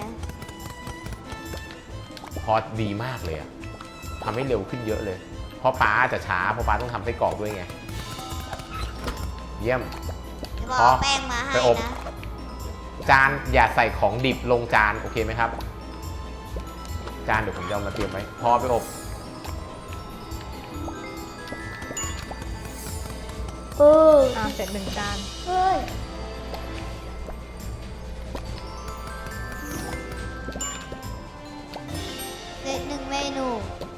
[SPEAKER 2] พอดีมากเลยอะทำให้เร็วขึ้นเยอะเลย เพราะป้าจะช้าเพราะป้าต้องทำไส้กรอกด้วยไง เยี่ยม
[SPEAKER 1] เดี๋ยวพ
[SPEAKER 2] พ
[SPEAKER 1] อ
[SPEAKER 2] อ
[SPEAKER 1] แป้งมาให้
[SPEAKER 2] ไปอบ
[SPEAKER 1] นะ
[SPEAKER 2] จานอย่าใส่ของดิบลงจานโอเคไหมครับ จานเดี๋ยวผมจะเอามาเตรียมไว้ พอไปอบ
[SPEAKER 4] เออ
[SPEAKER 3] อ่าเสร็จหนึ่งจาน
[SPEAKER 4] เฮ้ย
[SPEAKER 1] เสร็จหนึ่งเมนู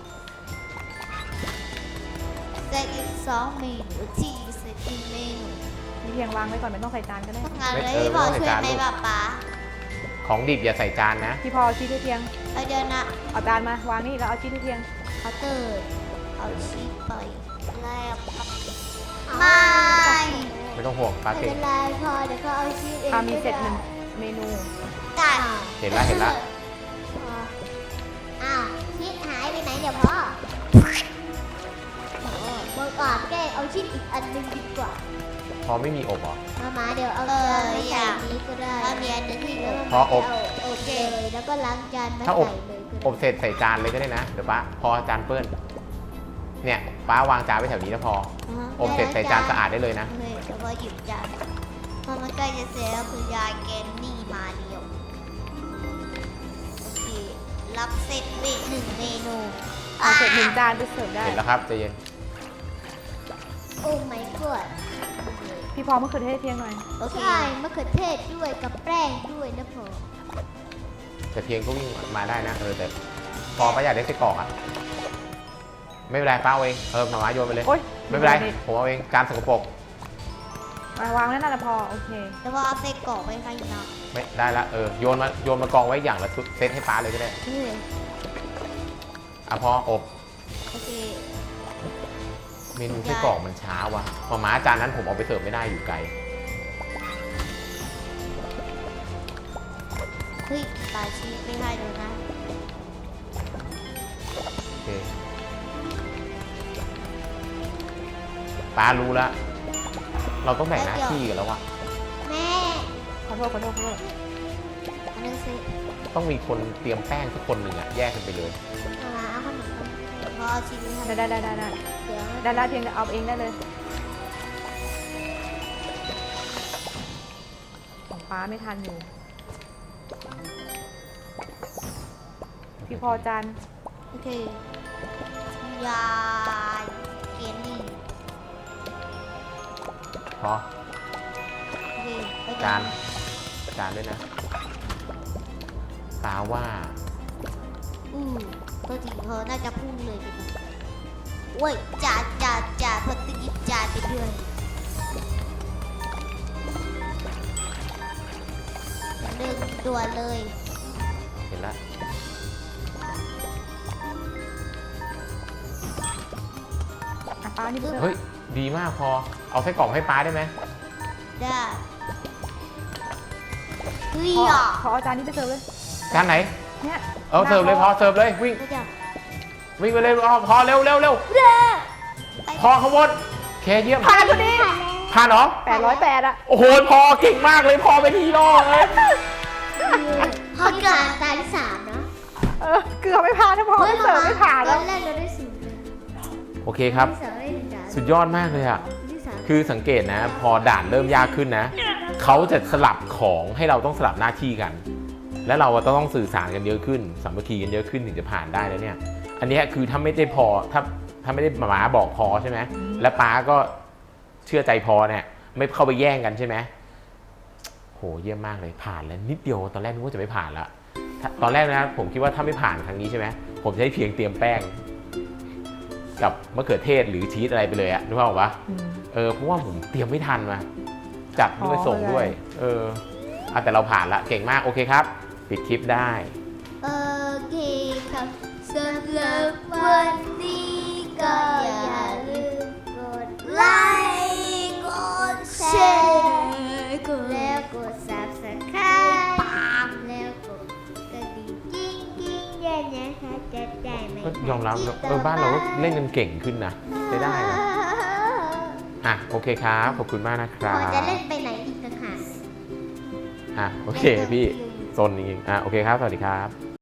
[SPEAKER 1] เสร็จอีกสองเมนูที่เสร็จอีกเมนู
[SPEAKER 3] พี่เพียงวางไว้ก่อนไม่ต้องใส่จานก็ได้
[SPEAKER 1] ทำงาน
[SPEAKER 2] ไม่
[SPEAKER 1] เลย
[SPEAKER 2] เออ
[SPEAKER 1] พี่พอ
[SPEAKER 2] ไม่ต้อง
[SPEAKER 1] ช่วย
[SPEAKER 2] ใส่จาน
[SPEAKER 1] ไหม
[SPEAKER 2] ลูก
[SPEAKER 1] ป้าป๊า
[SPEAKER 2] ของดิบอย่าใส่จานนะ
[SPEAKER 3] พี่พอเอาชีสให้เพียง
[SPEAKER 1] เอาเดี๋ยวนะ
[SPEAKER 3] เอาจานมาวางนี่แล้วเอาชีสให้เพียง
[SPEAKER 1] เคาน์เตอร์เอาชีสไปแล้วครับ
[SPEAKER 4] เอา
[SPEAKER 1] ไม่
[SPEAKER 2] ไม่ต้องห่วงป้า
[SPEAKER 4] ไม่
[SPEAKER 2] เก่
[SPEAKER 4] เป็
[SPEAKER 2] ง
[SPEAKER 4] นไรพอเดี๋ยวเขาเอาชีสเอง
[SPEAKER 3] อ่ามีเสร็จ
[SPEAKER 4] ก็
[SPEAKER 3] หนึ่ง
[SPEAKER 4] ได้
[SPEAKER 3] เมนู
[SPEAKER 1] ได้
[SPEAKER 4] อ้าว
[SPEAKER 2] เห็นละเห็นละ
[SPEAKER 4] พออ้าวชีสหายไปไหนเดี๋ยวพ่อโอ้เมื่อก่อนแกเอาชีสอีกอันหนึงดีกว่า
[SPEAKER 2] พอไม่มีอบเหรอ
[SPEAKER 4] มามาเดี๋ยวเอา
[SPEAKER 1] เออ
[SPEAKER 4] จานมา
[SPEAKER 1] อ
[SPEAKER 4] ใส่
[SPEAKER 1] ยาก
[SPEAKER 4] นี้ก็ได้
[SPEAKER 1] เอาเนียนหนึ่งที่
[SPEAKER 4] แล้ว
[SPEAKER 2] พออบ
[SPEAKER 4] มาเาอบเลยแล้วก็ล้างจานมา
[SPEAKER 2] ถ้า
[SPEAKER 4] ใส่
[SPEAKER 2] อบ
[SPEAKER 4] เลยก็
[SPEAKER 2] อ
[SPEAKER 4] ได้
[SPEAKER 2] บเสร็จใส่จานเลยก็ได้นะ เดี๋ยวป้าพอจานเปื้อน เนี่ยป้าวางจานไว้แถวนี้แล้วพอ
[SPEAKER 1] อ่าฮะ
[SPEAKER 2] อบเสร็จใส่จานสะอาดได้เลยนะ
[SPEAKER 1] โอเคเดี๋ยวพอหยิบจานพอมันใกล้จะเสร็จแล้วคือยายแกนนี่มาเดียวโอเครับเสร็จเวทหนึ่งเมนู
[SPEAKER 3] เอาเสร็จหนึ่งจานไปเสิร์ฟได้
[SPEAKER 2] เห็นแล้วครับใจเย็น
[SPEAKER 4] โอ้ไม่กด
[SPEAKER 3] พี่พอมะเขือเทศให้เพียงหน่อย
[SPEAKER 1] โอเค
[SPEAKER 4] ใช่มะเขือเทศด้วยกับแป้งด้วยนะพอ
[SPEAKER 2] แต่เพียงก็วิ่งมาได้นะ เออแต่พอป้าอยากได้ไส้กรอกอะไม่เป็นไรป้าเอาเอง เออหมาม้าโยนไปเลย
[SPEAKER 3] โอ๊ย
[SPEAKER 2] ไม่เป็นไร ผมเอาเอง จานสกปรก
[SPEAKER 3] มาวางไว้นั่นแหละพอโอเค
[SPEAKER 1] เดี๋ยวพอเอาไส้กรอกไปให้นะ
[SPEAKER 2] ไม่ได้ละ เออ โยนมา โยนมากองไว้อย่างละชุดเซตให้ป้าเลยก็ได้
[SPEAKER 1] โอเค
[SPEAKER 2] อ่ะพออบ
[SPEAKER 1] โอเค
[SPEAKER 2] เมนูไส้กรอกมันช้าว่ะหมาม้าจานนั้นผมเอาไปเสิร์ฟไม่ได้อยู่ไกล
[SPEAKER 1] เฮ้ยตายชีสไม่ให้เลยนะ
[SPEAKER 2] โอเคป้ารู้แล้วเราต้องแบ่งหน้าที่กันแล้วว่ะ
[SPEAKER 1] แม่
[SPEAKER 3] ขอโทษขอโทษขอโทษ
[SPEAKER 1] อันนึงสิ
[SPEAKER 2] ต้องมีคนเตรียมแป้งสักคนหนึ่งอะแยกกันไปเลย
[SPEAKER 1] เอามาเอาขนมปังเดี๋ยวพอชีสไม่ให้
[SPEAKER 3] ได้ได้ได้ได้ได้
[SPEAKER 1] เดี๋ยว
[SPEAKER 3] ได้ได้เพียงแต่เอาเองได้เลยของป้าไม่ทันอยู่พี่พอจาน
[SPEAKER 1] โอเคยาเกนนี่
[SPEAKER 2] พอ
[SPEAKER 1] โอเคไป
[SPEAKER 2] จานจานด้วยนะป้าว่า
[SPEAKER 1] อือตัวจริงเขาน่าจะพุ่งเลยดีกว่าโอ้ยจ่าจ่าจ่าพอตะกี้จ่าไปด้วยหนึ่งตัวเลย
[SPEAKER 2] เห็นแล้ว
[SPEAKER 3] อ่ะป้านี่เพิ่ง
[SPEAKER 2] เฮ้ยดีมากพอเอาไส้กรอกให้ป้าได้ไหม
[SPEAKER 1] ได้เฮ้ย
[SPEAKER 3] พอ
[SPEAKER 1] อ่ะ
[SPEAKER 3] พอเอาจานนี้ไปเสิร์ฟเลย
[SPEAKER 2] จานไหน
[SPEAKER 3] เนี่ย
[SPEAKER 2] เอาเสิร์ฟเลยพอเสิร์ฟเลยวิ่ง
[SPEAKER 1] ไม่ได้
[SPEAKER 2] วิ่งไปเลยพอพอเร็วเร็วเร็วพอขบวนเคเยี่ยม
[SPEAKER 3] ผ่านพอดี
[SPEAKER 2] ผ่านเหรอ
[SPEAKER 3] แปดร้อยแปดอะ
[SPEAKER 2] โอ้โหพอเก่งมากเลยพอเป็นฮีโร่เลย
[SPEAKER 1] พอเกิดตาที่สามนะ
[SPEAKER 3] เออเกือบไม่ผ่านถ้าพอไม่เสิร์ฟไม่ผ่าน
[SPEAKER 1] ต
[SPEAKER 3] แล้
[SPEAKER 1] อ
[SPEAKER 3] วน
[SPEAKER 1] แรกเราได้ศูนย์เลย
[SPEAKER 2] โอเคครับ
[SPEAKER 1] ที่สองได้หนึ่งด่าน
[SPEAKER 2] สุดยอดมากเลยอะ
[SPEAKER 1] ที่สาม
[SPEAKER 2] คือสังเกตนะ พอด่านเริ่มยากขึ้นนะเขาจะสลับของให้เราต้องสลับหน้าที่กัน และเราก็ต้องสื่อสารกันเยอะขึ้นสามัคคีกันเยอะขึ้นถึงจะผ่านได้แล้วเนี่ย อันเนี้ยคือถ้าไม่ได้พอถ้าถ้าไม่ได้หมาบอกพอใช่ไหมและป้าก็เชื่อใจพอเนี่ยไม่เข้าไปแย่งกันใช่ไหมโหเยี่ยมมากเลยผ่านแล้วนิดเดียวตอนแรกนึกว่าจะไม่ผ่านละถ้าตอนแรกนะผมคิดว่าถ้าไม่ผ่านครั้งนี้ใช่ไหมผมจะให้เพียงเตรียมแป้ง กับมะเขือเทศหรือชีสอะไรไปเลยอะนึกภาพออกปะ
[SPEAKER 3] อืม
[SPEAKER 2] เออเพราะว่าผมเตรียมไม่ทันมาจัดด้วย
[SPEAKER 3] อ๋อ
[SPEAKER 2] ส่งด้วย เอออะแต่เราผ่านละเก่งมากโอเคครับ ปิดคลิปได้
[SPEAKER 1] โอเคครับสำหรับวันนี้ก็อย่าลืมกดไลค์กดแชร์กดแล้วกด ซับสไครบ์ แล้วกดกระดิ่งกิ้งกิ้งๆด้วยนะคะจะได้ไม่
[SPEAKER 2] ก็ยอมรับนะเออบ้านเราก็เล่นกันเก่งขึ้นนะใช้ได้นะอ่ะโอเคครับขอบคุณมากนะค
[SPEAKER 1] พ
[SPEAKER 2] รั
[SPEAKER 1] อบ จะเล่นไปไหนอีกต่างหาก
[SPEAKER 2] อ่ะโอเคพี่โซนนี้อ่ะโอเคครับสวัสดีครับ